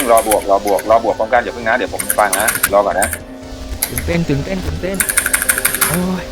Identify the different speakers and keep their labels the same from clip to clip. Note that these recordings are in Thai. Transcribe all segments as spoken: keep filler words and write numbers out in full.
Speaker 1: รอบวกรอบวกรอบวกพร้อมกันอย่าเพิ่งนะเดี๋ยวผมฟังนะรอก่อนนะ
Speaker 2: ตื่นเต้นตื่นเต้นตื่นเต้นโอ้ย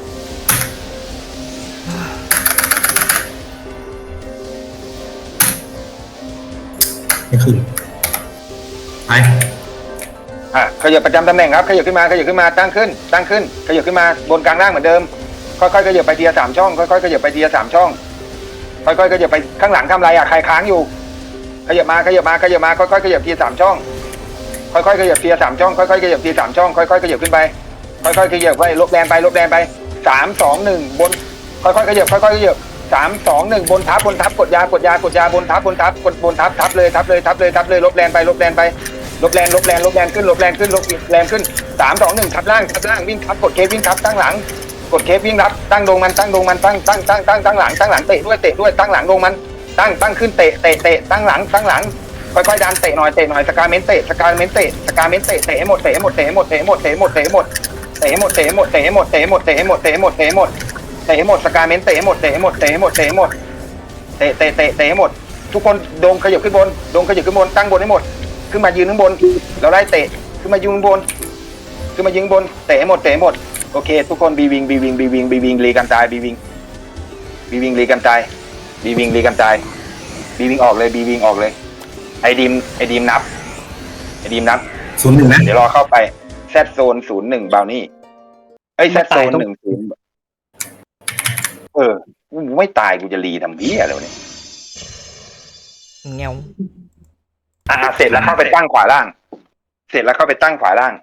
Speaker 3: ไม่ขึ้นไป
Speaker 1: อ่ะขยับประจำตำแหน่งครับขยับขึ้นมาขยับขึ้นมาตั้งขึ้นตั้งขึ้นขยับขึ้นมาบนกลางล่างเหมือนเดิมค่อยๆขยับไปทีละสามช่องค่อยๆขยับไปทีละสามช่องค่อยๆขยับไปข้างหลังทำไรอ่ะใครค้างอยู่ขยับมาขยับมาขยับมาค่อยๆขยับทีละสามช่องค่อยๆขยับทีละสามช่องค่อยๆขยับทีละสามช่องค่อยๆขยับขึ้นไปค่อยๆขยับไปลบแรงไปลบแรงไปสามสองหนึ่งบนค่อยๆขยับค่อยๆขยับสามสองหนึ่งบนทับบนทับกดยากดยากดยาบนทับบนทับกดบนทับทับเลยทับเลยทับเลยทับเลยลบแรงไปลบแรงไปลบแรงลบแรงลบแรงขึ้นลบแรงขึ้นลบแรงขึ้นสามสองหนึ่งทับล่างทับล่างวิ่งทับกดเควิ่งทับตั้งหลังกดเควิ่งรับตั้งลงมันตั้งลงมันตั้งตั้งตั้งตั้งตั้งหลังตั้งหลังเตะด้วยเตะด้วยตั้งหลังลงมันตั้งตั้งขึ้นเตะเตะเตะตั้งหลังตั้งหลังค่อยๆดันเตะหน่อยเตะหน่อยสกาเมนเตะสกาเมนเตะสกาเมนเตะเตะให้หมดเตะให้หมดเตะให้หมดเตะให้หมดเตะให้หมดเตะให้หมดเตะให้หมดเตะให้หมดเตะให้หมดเตะให้หมดเตะให้หมดเตะให้หมดเตะให้หมดเตะให้หมดสกาเมนเตะให้หมดเตะให้หมดเตะให้หมดเตะให้หมดเตะเตะเตะเตะให้หมดทุกคนโดงขยับขึ้นบนโดงขยับขึ้นบนตั้งบนให้หมดขึ้นมายืนข้างบนเราไล่เตะขึ้นมายืนข้างบนขึ้นมายืนบนเตะให้หมดเตะให้หมดโอเคทุกคนบีวิงบีวิงบีวิงบีวิงรีกันตายบีวิงบีวิงรีกันตายบีวิงรีกันตายบีวิงออกเลยบีวิงออกเลยไอดีมไอดีมนับไอดีมนับ
Speaker 3: ศูนย์หนึ่งนะ
Speaker 1: เดี๋ยวรอเข้าไปแซดโซนศูนย์หนึ่งเบานี่ไอแซดโซนหนึ่งศูนย์เออกูไม่ตายกูจะรีทำเหี้ยอะไรวะเนี่ย
Speaker 2: เงี้ยว
Speaker 1: อ่าเสร็จแล้วเข้าไปตั้งขวาล่างเสร็จแล้วเข้าไปตั้งขวาล่าง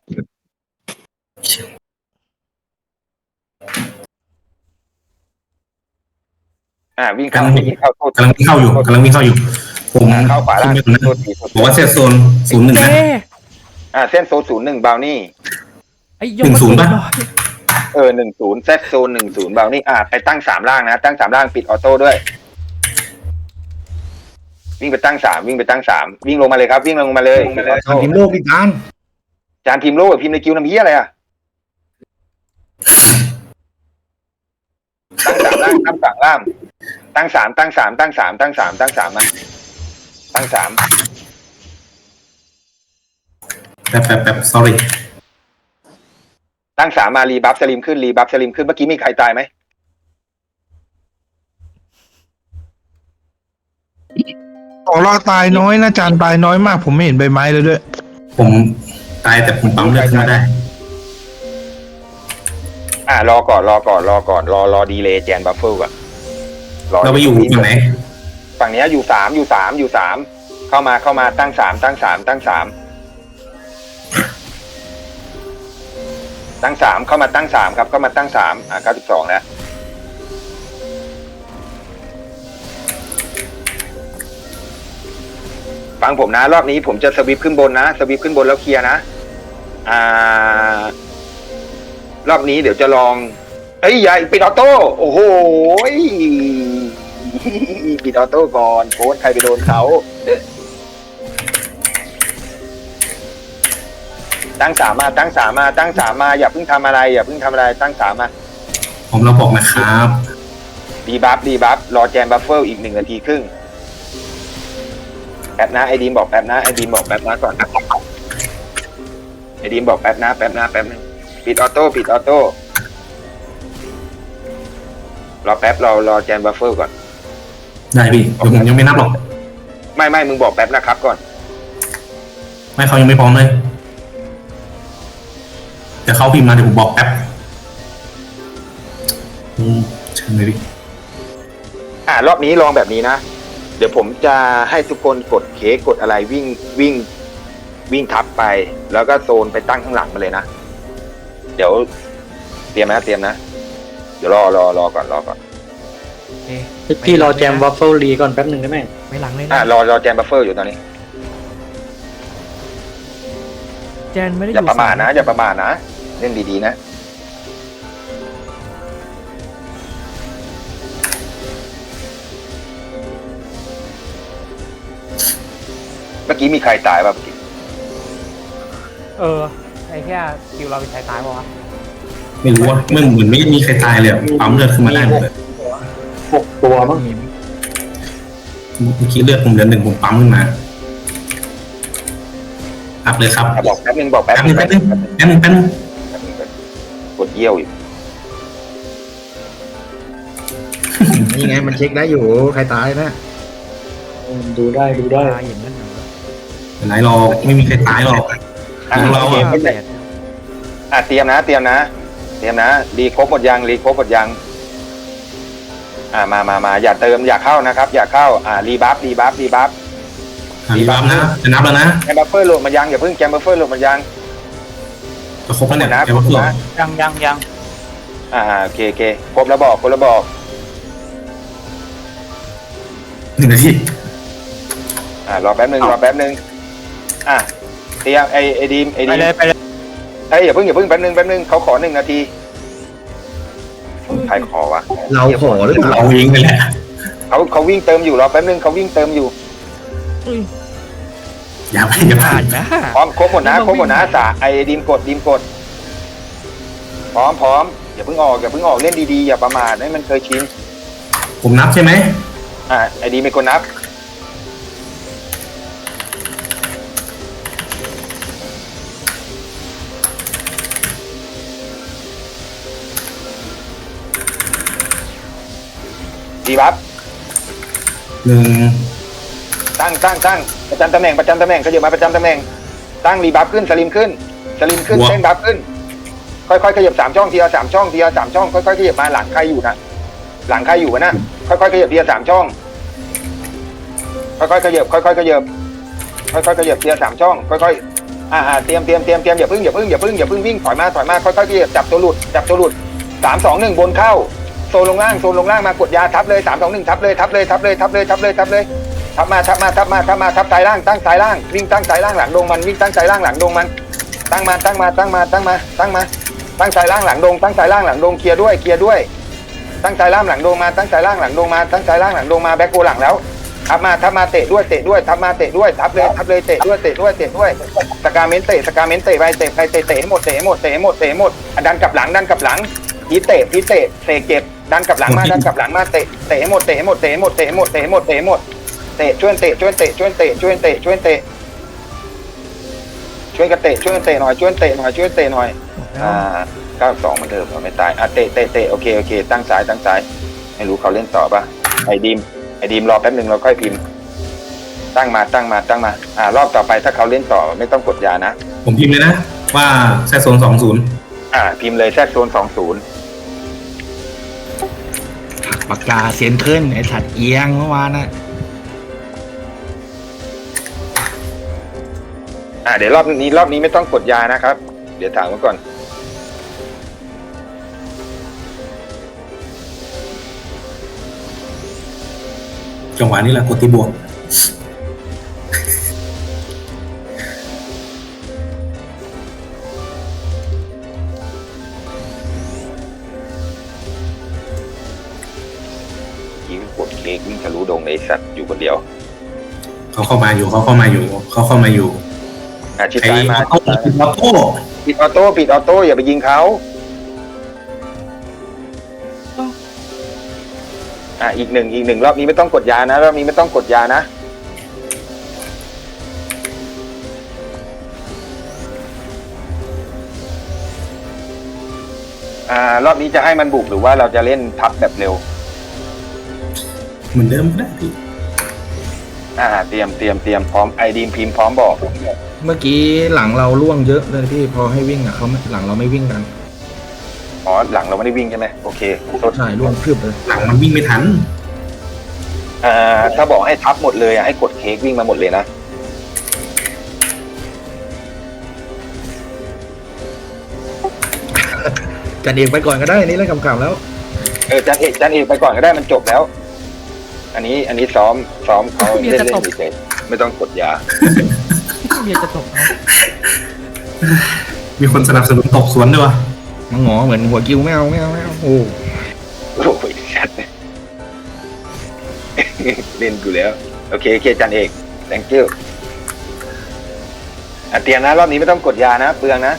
Speaker 1: อ่าวิ่งเข้าวิ่งเข้าก
Speaker 3: ำลังวิ่งเข้าอยู่กำลังวิ่งเข้าอยู่ผม
Speaker 1: เข้าขวาล่าง
Speaker 3: บอกว่าเซตโซนศูนย์หนึ่งนะ
Speaker 1: อ่าเส้นโซนศูนย์หนึ่งเบานี่
Speaker 2: ไอ้
Speaker 3: หนึ่งศูนย์ป่ะ
Speaker 1: เออหนึ่งศูนย์เซตโซนหนึ่งศูนย์เบานี่อ่าไปตั้งสามล่างนะตั้งสามล่างปิดออโต้ด้วยวิ่งไปตั้งสามวิ่งไปตั้งสามวิ่งลงมาเลยครับวิ่งลงมาเลย
Speaker 3: พิมพ์โลกพี่จาน
Speaker 1: จานพิมพ์โลกพิมพ์ในคิวน้ำเหี้ยอะไรอ่ะตั้งสามล่างตั้งสามล่างตั้งสามตั้งสามตั้งสามตั้งสามตั้งสามนะตั้งสาม
Speaker 3: แป๊บแป๊บแป๊บ sorry
Speaker 1: ตั้งสามมารีบัฟสลิมขึ้นรีบัฟสลิมขึ้นเมื่อกี้มีใครตายไหม
Speaker 4: ของเราตายน้อยนะจานตายน้อยมากผมไม่เห็นใบไม้เลยด้วย
Speaker 3: ผมตายแต่ผมปั๊มเลือดขึ้นมาได้
Speaker 1: อ่ารอก่อนรอก่อนรอก่อนรอรอดีเลย์แจนบัฟเฟิลก่อน
Speaker 3: เราไปอยู่ฝั่งไหน
Speaker 1: ฝั่งนี้อยู่สามอยู่สามอยู่สามเข้ามาเข้ามาตั้งสามตั้งสามตั้งสามตั้งสามเข้ามาตั้งสามครับเข้ามาตั้งสามอ่าเก้าสิบสองแล้วฟังผมนะรอบนี้ผมจะสวิปขึ้นบนนะสวิปขึ้นบนแล้วเคลียร์นะอ่ารอบนี้เดี๋ยวจะลองเอ้ยใหญ่ปิดออโต้โอ้โหปิดออโต้ก่อนโค้ชใครไปโดนเขาตั้งสามมาตั้งสามมาตั้งสามมาอย่าเพิ่งทำอะไรอย่าเพิ่งทำอะไรตั้งสามมา
Speaker 3: ผมเราบอกนะครับ
Speaker 1: ดีบัฟดีบัฟรอแจมบัฟเฟิลอีกหนึ่งนาทีครึ่งแป๊บนะไอดีมบอกแป๊บนะไอดีมบอกแป๊บนะก่อนไอดีมบอกแป๊บนะแป๊บนะแป๊บนึงปิดออโต้ปิดออโต้รอแป๊บเรารอแจมบัฟเฟิลก่อน
Speaker 3: ได้พี่เดี๋ยวผมยังไม่นับหรอก
Speaker 1: ไม่ไม่มึงบอกแป๊บนะครับก่อน
Speaker 3: ไม่เขายังไม่พร้อมเลยเดี๋ยวเขาพิมพ์มาเดี๋ยวผมบอกแป๊บอืมเชิญเลยดิ
Speaker 1: อ่ารอบนี้ลองแบบนี้นะเดี๋ยวผมจะให้ทุกคนกดเคกดอะไรวิ่งวิ่งวิ่งทับไปแล้วก็โซนไปตั้งข้างหลังมาเลยนะเดี๋ยวเตรียมนะเตรียมนะเดี๋ยวรอรอรอก่อนรอก่อน
Speaker 5: พี่รอแจมวัฟเฟิลรีก่อนแป๊บหนึ่งได้ไหม
Speaker 2: ไม่หลังเลยนะ
Speaker 1: อ่ารอรอแจมบัฟเฟอร์อยู่ตอนนี้
Speaker 2: แจนไม่ได้
Speaker 1: อย่าประมาทนะอย่าประมาทนะเล่นดีๆนะเมื่อกี้มีใครตายป่ะเมื่อกี้
Speaker 2: เออไอ้แค่คิวเราเป็นใครตายป่ะวะ
Speaker 3: ไม่รู้ว่ามึงเหมือนไม่มีใครตายเลยปั๊มเลือดขึ้นมาได้หมดเลย
Speaker 5: หกตัวมั้ง
Speaker 3: เมื่อกี้เลือดผมเหลือหนึ่งผมปั๊มขึ้นมาเลยครับ
Speaker 1: อ่ะบอกแป๊บนึงบอกแป๊บ
Speaker 3: แป๊บ
Speaker 1: นึ
Speaker 3: นึ
Speaker 1: ง
Speaker 3: ง
Speaker 1: แป๊
Speaker 3: แป๊
Speaker 1: บบ นึ
Speaker 3: นึ
Speaker 1: ง
Speaker 3: งแป๊บนึงแป๊บนึง
Speaker 1: แป๊บนึงกดเยี่ยวอยู่
Speaker 6: นี่ไงมันเช็คได้อยู่ใครตายนะ
Speaker 5: ดูได้ดูได้
Speaker 2: ตายอย่างนั้นเหรอ
Speaker 3: เป็นไรหรอกไม่มีใครตายหรอก
Speaker 1: อ่ะ
Speaker 3: ของเรา
Speaker 1: โอเค
Speaker 3: อะ
Speaker 1: ไม่เป็นไรอ่ะเตรียมนะเตรียมนะเตรียมนะรีครบหมดยังรีครบหมดยังอ่ามามามาอย่าเติมอย่าเข้านะครับ อย่าเข้าอ่ารีบัฟรีบัฟรีบัฟ
Speaker 3: อ่ะรีบัฟนะจะนับแล้วนะ
Speaker 1: แกมบัฟเฟอร์โหลดมันยังอย่าเพิ่งแกมบัฟเฟอร์โหลดมันยัง
Speaker 3: จะครบแล้วเนี่ย
Speaker 1: นะ
Speaker 3: แกว่าเพื่อ
Speaker 1: นะ
Speaker 2: ยังยังยัง
Speaker 1: อ่าโอเคโอเคครบแล้วบอกครบแล้วบอก
Speaker 3: หนึ่งนาที
Speaker 1: อ่ารอแป๊บนึงรอแป๊บนึงอ่ะเตรียมไอไอดีมไอ
Speaker 2: ไป
Speaker 1: ดีม
Speaker 2: เลยไปเลย
Speaker 1: เอ้ยอย่าเพิ่งอย่าเพิ่งแป๊บนึงแป๊บนึงเขาขอหนึ่งนาทีใครขอวะ
Speaker 6: เราขอหรือเปล่า
Speaker 3: เราเองนี่แหละ
Speaker 1: เขาเขาวิ่งเติมอยู่รอแป๊บนึงเขาวิ่งเติมอยู่
Speaker 3: อย่าไปอย่าไป
Speaker 2: ผ่านนะ
Speaker 1: พร้อมครบหมดนะครบหมดนะสาไอดีมกดดีมกดพร้อมพร้อมอย่าเพิ่งออกอย่าเพิ่งออกเล่นดีๆอย่าประมาทให้มันเคยชิน
Speaker 3: ผมนับใช่ไหม
Speaker 1: อ่าไอดีเป็นคนนับดีบัฟ
Speaker 3: หนึ่ง
Speaker 1: ตั้งตั้งตั้งประจำตำแหน่งประจำตำแหน่งขยับมาประจำตำแหน่งตั้งรีบัฟขึ้นสลิมขึ้นสลิมขึ้นเส้นบัฟขึ้น ค่อยๆขยับสามช่องทีละสามช่องทีละสามช่องค่อยๆขยับมาหลังใครอยู่นะหลังใครอยู่นะค่อยๆขยับทีละสามช่องค่อยๆขยับค่อยๆขยับค่อยๆขยับทีละสามช่องค่อยๆอ่าเตรียมเตรียมเตรียมเตรียมอย่าพึ่งอย่าพึ่งอย่าพึ่งอย่าพึ่งวิ่งถอยมาถอยมาค่อยๆขยับจับตัวหลุดจับตัวหลุดสามสองหนึ่งบนเข้าโซนลงล่างโซนลงล่างมากดยาทับเลยสามสองหนึ่งทับเลยทับเลยทับเลยทับเลยทับเลยทับเลยทับมาทับมาทับมาทับมาทับสายล่างตั้งสายล่างวิ่งตั้งสายล่างหลังดงมันวิ่งตั้งสายล่างหลังดงมันตั้งมาตั้งมาตั้งมาตั้งมาตั้งมาตั้งสายล่างหลังดงตั้งสายล่างหลังดงเคลียร์ด้วยเคลียร์ด้วยตั้งสายล่างหลังดงมาตั้งสายล่างหลังดงมาตั้งสายล่างหลังดงมาแบ็คโกหลังแล้วทับมาทับมาเตะด้วยเตะด้วยทับมาเตะด้วยทับเลยทับเลยเตะด้วยเตะด้วยเตะด้วยสกาเมนเตะสกาเมนเตะไปเตะไปเตะเตะให้หมดเตะให้หมดเตะให้หมดเตะให้หมดดันกลับหลังดันกลับหลังพีเตะพีเตะเตะเก็บดันกลับหลังมาดันกลับหลังมาเตะเตะให้หมดเตะให้หมดเตะให้หมดเตะให้หมดเตะให้หมดเตะให้หมดเตะช่วยเตะช่วยเตะช่วยเตะช่วยเตะช่วยเตะช่วยกันเตะช่วยกันเตะหน่อยช่วยเตะหน่อยช่วยเตะหน่อยอ่าเก้าสองเหมือนเดิมเราไม่ตายอ่ะเตะเตะเตะโอเคโอเคตั้งซ้ายตั้งซ้ายไม่รู้เขาเล่นต่อป่ะไอ้ดีมไอ้ดีมรอแป๊บนึงเราค่อยพิมพ์ตั้งมาตั้งมาตั้งมาอ่ารอบต่อไปถ้าเขาเล่นต่อไม่ต้องกดยานะ
Speaker 3: ผมพิมพ์เลยนะ ว่าแซดโซนสองศูนย์
Speaker 1: อ่าพิมพ์เลยแทรกโซนสองศูนย์
Speaker 6: ปากกาเสียนขึ้นไอ้ถัดเอียงเมื่อวานน่ะ
Speaker 1: อ่าเดี๋ยวรอบนี้รอบนี้ไม่ต้องกดยานะครับเดี๋ยวถามไว้ก่อน
Speaker 3: จังหวะนี้แหละกดตีบวก
Speaker 1: ยิงกดเค้กวิ่งทะลุดงในสัตว์อยู่คนเดียว
Speaker 3: เขาเข้ามาอยู่เขาเข้ามาอยู่เขาเข้ามาอยู่
Speaker 1: อ่าชิด
Speaker 3: ไอ้
Speaker 1: ซ้ายมา
Speaker 3: ออโต้ออโต้
Speaker 1: ปิดออโต้ปิดออโต้อย่าไปยิงเขาอ่าอีกหนึ่งอีกหนึ่งรอบนี้ไม่ต้องกดยานะรอบนี้ไม่ต้องกดยานะอ่ารอบนี้จะให้มันบุกหรือว่าเราจะเล่นทับแบบเร็ว
Speaker 3: เหมือนเดิมก็ได้พี่
Speaker 1: อ่าเตรียมเตรียมเตรียมพร้อมไอดีมพิมพ์พร้อมบอก
Speaker 6: เมื่อกี้หลังเราล่วงเยอะเลยพี่พอให้วิ่งอ่ะเขาไม่หลังเราไม่วิ่งกัน
Speaker 1: อ๋อหลังเราไม่ได้วิ่งใช่ไหมโอเคโทษ
Speaker 6: ใช่ล่วงพรึบเลย
Speaker 3: หลังมันวิ่งไม่ทัน
Speaker 1: อ่าถ้าบอกให้ทับหมดเลยอ่ะให้กดเค้กวิ่งมาหมดเลยนะ
Speaker 6: จันเองไปก่อนก็ได้นี่เล่นขำๆแล้ว
Speaker 1: เออจันเอกจันเอกไปก่อนก็ได้มันจบแล้ว อันนี้อันนี้ซ้อมซ้อมเขาเล่นเล่นเฉยๆไม่ต้องกดยา
Speaker 2: เมียจะตกเอา
Speaker 3: มีคนสนับสนุนตกสวนด้วยวะ
Speaker 6: มังหงอเหมือนหัวกิ้วไม่เอาไม่เอาไม่เอาโอ้
Speaker 1: โอ้ยชัดเล่นกูแล้วโอเคโอเคจันเอก thank you อ่ะเตรียมนะรอบนี้ไม่ต้องกดยานะเปลืองนะ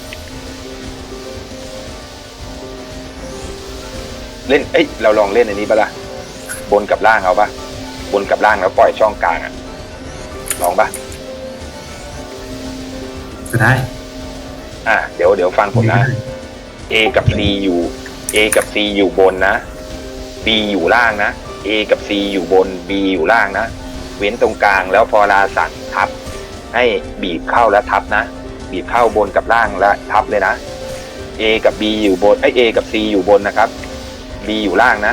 Speaker 1: เล่นเอ้ยเราลองเล่นอันนี้ปะล่ะบนกับล่างเอาปะบนกับล่างแล้วปล่อยช่องกลางอ่ะลองปะ
Speaker 3: ก็ได้
Speaker 1: อ่ะเดี๋ยวเดี๋ยวฟังผมนะ A กับ C อยู่ A กับ C อยู่บนนะ B อยู่ล่างนะ A กับ C อยู่บน B อยู่ล่างนะ เว้นตรงกลางแล้วพอลาสั่งทับ ให้บีบเข้าแล้วทับนะ บีบเข้าบนกับล่างแล้วทับเลยนะ A กับ B อยู่บนไอ้ A กับ C อยู่บนนะครับ B อยู่ล่างนะ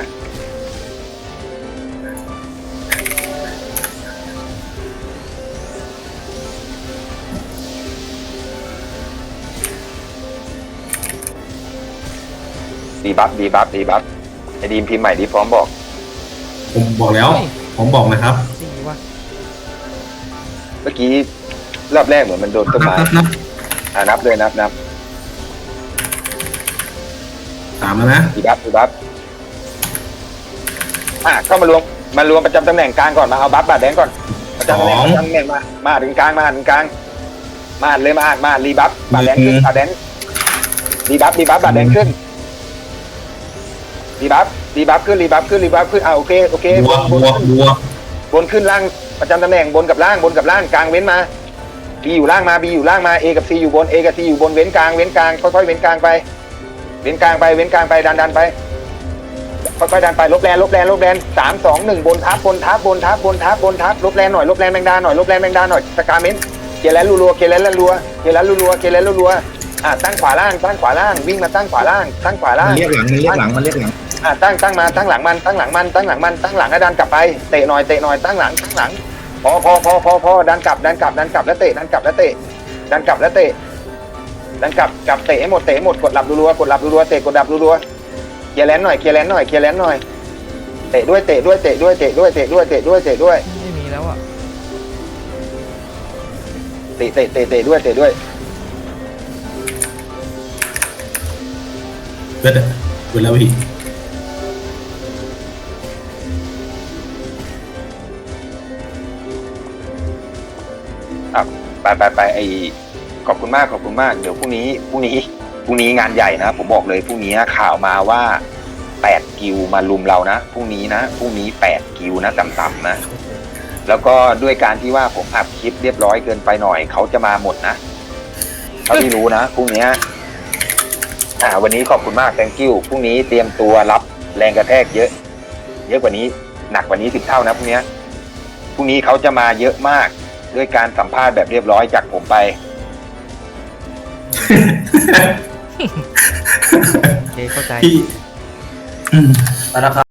Speaker 1: ดีบัฟดีบัฟดีบัฟไอ้ดีมพิมพ์ใหม่ดีพร้อมบอก
Speaker 3: ผมบอกแล้ว ผมบอกนะครับ
Speaker 2: ดีว่ะ
Speaker 1: เมื่อกี้รอบแรกเหมือนมันโดนต้นไม้
Speaker 3: นับนับ
Speaker 1: อ่านับเลยนับนับ
Speaker 3: สามแล้วนะ
Speaker 1: ดีบัฟดีบัฟอ่ะเข้ามารวมมารวมประจำตำแหน่งกลางก่อนมาเอาบัฟบาดแดงก่อนประจำตำแหน่งประจำตำแหน่งมามาถึงกลางมาถึงกลางมาเลยมามารีบัฟบาดแดงขึ้นบาดแดงรีบัฟรีบัฟบาดแดงขึ้นรีบัฟรีบัฟขึ้นรีบัฟขึ้นรีบัฟขึ้นอ่าโอเคโอเค
Speaker 3: บัว
Speaker 1: บน
Speaker 3: บัวบัว
Speaker 1: บนขึ้นล่างประจำตำแหน่งบนกับล่างบนกับล่างกลางเว้นมาบีอยู่ล่างมาบีอยู่ล่างมาเอกับซีอยู่บนเอกับซีอยู่บนเว้นกลางเว้นกลางค่อยๆเว้นกลางไปเว้นกลางไปเว้นกลางไปดันดันไปค่อยๆดันไปลบแรงลบแรงลบแรงสามสองหนึ่งบนทับบนทับบนทับบนทับบนทับลบแรงหน่อยลบแรงแมงดาหน่อยลบแรงแมงดาหน่อยสกาเมนเคลียร์แล้วรัวๆเคลียร์แล้วรัวๆเคลียร์แล้วรัวๆเคลียร์แล้วรัวๆอ่ะตั้งขวาล่างตั้งขวาล่างวิ่งมาตั้งขวาล่างตั้งขวาล่า
Speaker 6: มัน
Speaker 1: ง
Speaker 6: เรียกหลังมันเรียกหลังมันเรียกหลัง
Speaker 1: อ่ะตั้งตั้งมาตั้งหลังมันตั้งหลังมันตั้งหลังมันตั้งหลังแล้วดันกลับไปเตะหน่อยเตะหน่อยตั้งหลังตั้งหลังพอพอพอพอพอดันกลับดันกลับดันกลับแล้วเตะดันกลับแล้วเตะดันกลับแล้วเตะดันกลับกลับเตะให้หมดเตะให้หมดกดหลับรัวๆกดหลับรัวๆเตะกดหลับรัวๆเคลียร์แลนหน่อยเคลียร์แลนหน่อยเคลียร์แลนหน่อยเตะด้วยเตะด้วยเตะด้วยเตะด้วยเตะด้วยเตะด้วยเตะด้วย
Speaker 2: ไม่มีแล้วอ่ะ
Speaker 1: เตะเตะเตะเตะด้วยเตะด้วย
Speaker 3: เกิดเกิดแล้วพี่
Speaker 1: อ่ะไปไปไปไอขอบคุณมากขอบคุณมากเดี๋ยวพรุ่งนี้พรุ่งนี้พรุ่งนี้งานใหญ่นะผมบอกเลยพรุ่งนี้ข่าวมาว่าแปดกิวมาลุมเรานะพรุ่งนี้นะพรุ่งนี้แปดกิวนะต่ำๆนะแล้วก็ด้วยการที่ว่าผมอัดคลิปเรียบร้อยเกินไปหน่อยเขาจะมาหมดนะเท่าที่รู้นะพรุ่งนี้อ่าวันนี้ขอบคุณมาก thank you พรุ่งนี้เตรียมตัวรับแรงกระแทกเยอะ เยอะกว่านี้หนักกว่านี้สิบเท่านะพรุ่งนี้พรุ่งนี้เขาจะมาเยอะมากด้วยการสัมภาษณ์แบบเรียบร้อยจากผมไป
Speaker 2: โอเคเข้าใจ
Speaker 3: พี่อืม
Speaker 5: แล้วนะครับ